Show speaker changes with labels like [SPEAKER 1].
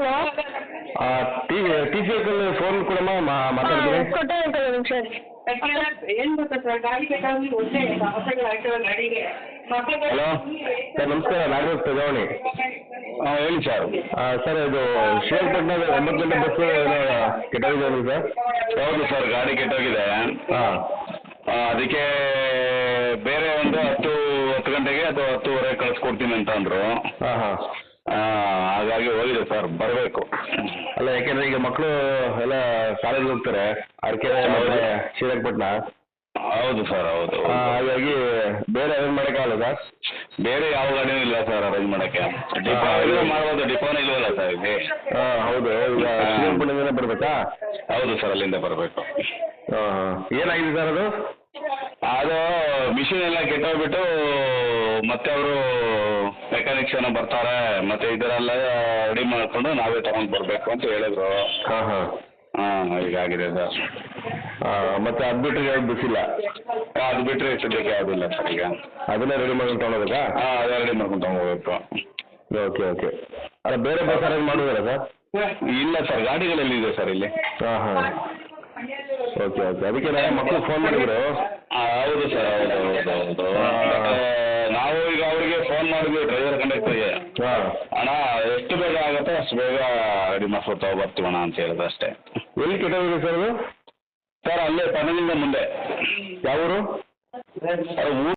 [SPEAKER 1] Hello.
[SPEAKER 2] T C uncle phone ಕೊಡಮ್ಮ ಮಾತಾಡ್ತೀನಿ.
[SPEAKER 1] ಕೊಟ್ಟೆ ಅಂಕಲ್ ಒಂದು ನಿಮಿಷ.
[SPEAKER 3] ಏನು ಗೊತ್ತಾ ಸರ್, ಗಾಡಿ ಬೇಕಾಗಿ ಒಂದೇ ಸಮಸ್ಯೆಗಳು ಆಗ್ತವೆ ಗಾಡಿಗೆ.
[SPEAKER 2] ಹಲೋ ಸರ್, ನಮಸ್ಕಾರ. ನಾಗರಾಜ್ ತಗವಣಿ.
[SPEAKER 4] ಹಾಂ ಹೇಳಿ ಸರ್.
[SPEAKER 2] ಸರ್, ಇದು ಶ್ರೀರಂಗಪಟ್ಟಣದ 9 ಗಂಟೆ ಬಸ್ಸು ಕೆಟ್ಟೋಗಿದೆ ಸರ್.
[SPEAKER 4] ಹೌದು ಸರ್, ಗಾಡಿ ಕೆಟ್ಟೋಗಿದೆ.
[SPEAKER 2] ಹಾಂ,
[SPEAKER 4] ಅದಕ್ಕೆ ಬೇರೆ ಒಂದು 10 ಗಂಟೆಗೆ ಅಥವಾ 10:30 ಕಳಿಸ್ಕೊಡ್ತೀನಿ ಅಂತ ಅಂದರು.
[SPEAKER 2] ಹಾಂ ಹಾಂ.
[SPEAKER 4] ಹಾಗಾಗಿ ಹೋಗಿದೆ ಸರ್, ಬರಬೇಕು.
[SPEAKER 2] ಅಲ್ಲ, ಯಾಕೆಂದ್ರೆ ಈಗ ಮಕ್ಕಳು ಎಲ್ಲ ಕಾಲೇಜ್ಗೆ ಹೋಗ್ತಾರೆ, ಅರಕೆರೆ ಮತ್ತು ಶ್ರೀರಂಗಪಟ್ಟಣ.
[SPEAKER 4] ಹೌದು ಸರ್, ಹೌದು.
[SPEAKER 2] ಹಾಗಾಗಿ ಬೇರೆ ಅರೇಂಜ್ ಮಾಡೋಕ್ಕಾಗಲ್ಲ ಸರ್?
[SPEAKER 4] ಬೇರೆ ಯಾವ ಗಾಡಿನೂ ಇಲ್ಲ ಸರ್ ಅರೇಂಜ್ ಮಾಡೋಕ್ಕೆ. ಡಿಪೋ ಮಾಡ್ಬೋದು, ಡಿಪೋನೇ ಇಲ್ವಲ್ಲ ಸರ್ ಇಲ್ಲಿ.
[SPEAKER 2] ಹಾಂ, ಹೌದು. ಈಗ ಶ್ರೀರಂಗಪಟ್ಟಣದಿಂದ ಬರಬೇಕಾ?
[SPEAKER 4] ಹೌದು ಸರ್, ಅಲ್ಲಿಂದ ಬರಬೇಕು.
[SPEAKER 2] ಹಾಂ ಹಾಂ. ಏನಾಗಿದೆ ಸರ್ ಅದು?
[SPEAKER 4] ಅದು ಮಿಷಿನ್ ಎಲ್ಲ ಕೆಟ್ಟೋಗ್ಬಿಟ್ಟು ಮತ್ತೆ ಅವರು ಮೆಕ್ಯಾನಿಕ್ಸ್ ಏನೋ ಬರ್ತಾರೆ, ಮತ್ತೆ ಇದರೆಲ್ಲ ರೆಡಿ ಮಾಡಿಕೊಂಡು ನಾವೇ ತಗೊಂಡು ಬರಬೇಕು ಅಂತ ಹೇಳಿದ್ರು.
[SPEAKER 2] ಹಾಂ ಹಾಂ.
[SPEAKER 4] ಹೀಗಾಗಿದೆ ಸರ್.
[SPEAKER 2] ಮತ್ತೆ ಅದು ಬಿಟ್ಟರೆ ಯಾವ್ದು ಬಿಸಿಲ್ಲ?
[SPEAKER 4] ಅದು ಬಿಟ್ಟರೆ ಸದ್ಯಕ್ಕೆ ಯಾವುದಿಲ್ಲ ಸರ್ ಈಗ.
[SPEAKER 2] ಅದನ್ನೇ ರೆಡಿ ಮಾಡ್ಕೊಂಡು ತೊಗೊಳೋದಾ?
[SPEAKER 4] ಅದೇ ರೆಡಿ ಮಾಡ್ಕೊಂಡು ತಗೋಬೇಕು.
[SPEAKER 2] Okay okay. ಅಲ್ಲ, ಬೇರೆ ಬಸ್ ಅರೇಂಜ್ ಮಾಡೋದಿಲ್ಲ ಸರ್?
[SPEAKER 4] ಇಲ್ಲ ಸರ್, ಗಾಡಿಗಳಲ್ಲಿ ಇದೆ ಸರ್ ಇಲ್ಲಿ.
[SPEAKER 2] ಹಾಂ ಹಾಂ. Okay okay. ಅದಕ್ಕೆ ಮಕ್ಕಳು ಫೋನ್ ಮಾಡಿದ್ರು.
[SPEAKER 4] ಹೌದು ಸರ್, ಹೌದು ಹೌದು ಹೌದು. ನಾವು ಈಗ ಅವರಿಗೆ ಫೋನ್ ಮಾಡಿದ್ವಿ, ಡ್ರೈವರ್ ಕಂಡಕ್ಟರ್ಗೆ.
[SPEAKER 2] ಹಾಂ.
[SPEAKER 4] ಅಣ್ಣ, ಎಷ್ಟು ಬೇಗ ಆಗುತ್ತೋ ಅಷ್ಟು ಬೇಗ ರೆಡಿ ಮಾಡ್ಕೊತಾ ಬರ್ತೀವಣ್ಣ ಅಂತ ಹೇಳಿದ್ರು ಅಷ್ಟೇ.
[SPEAKER 2] ಎಲ್ಲಿ ಕೆಟ್ಟೋಗಿದೆ ಸರ್ ಅದು?
[SPEAKER 4] ಸರ್, ಅಲ್ಲೇ ಪದನಿಂದ ಮುಂದೆ.
[SPEAKER 2] ಯಾವ ಊರು?
[SPEAKER 4] ಊರು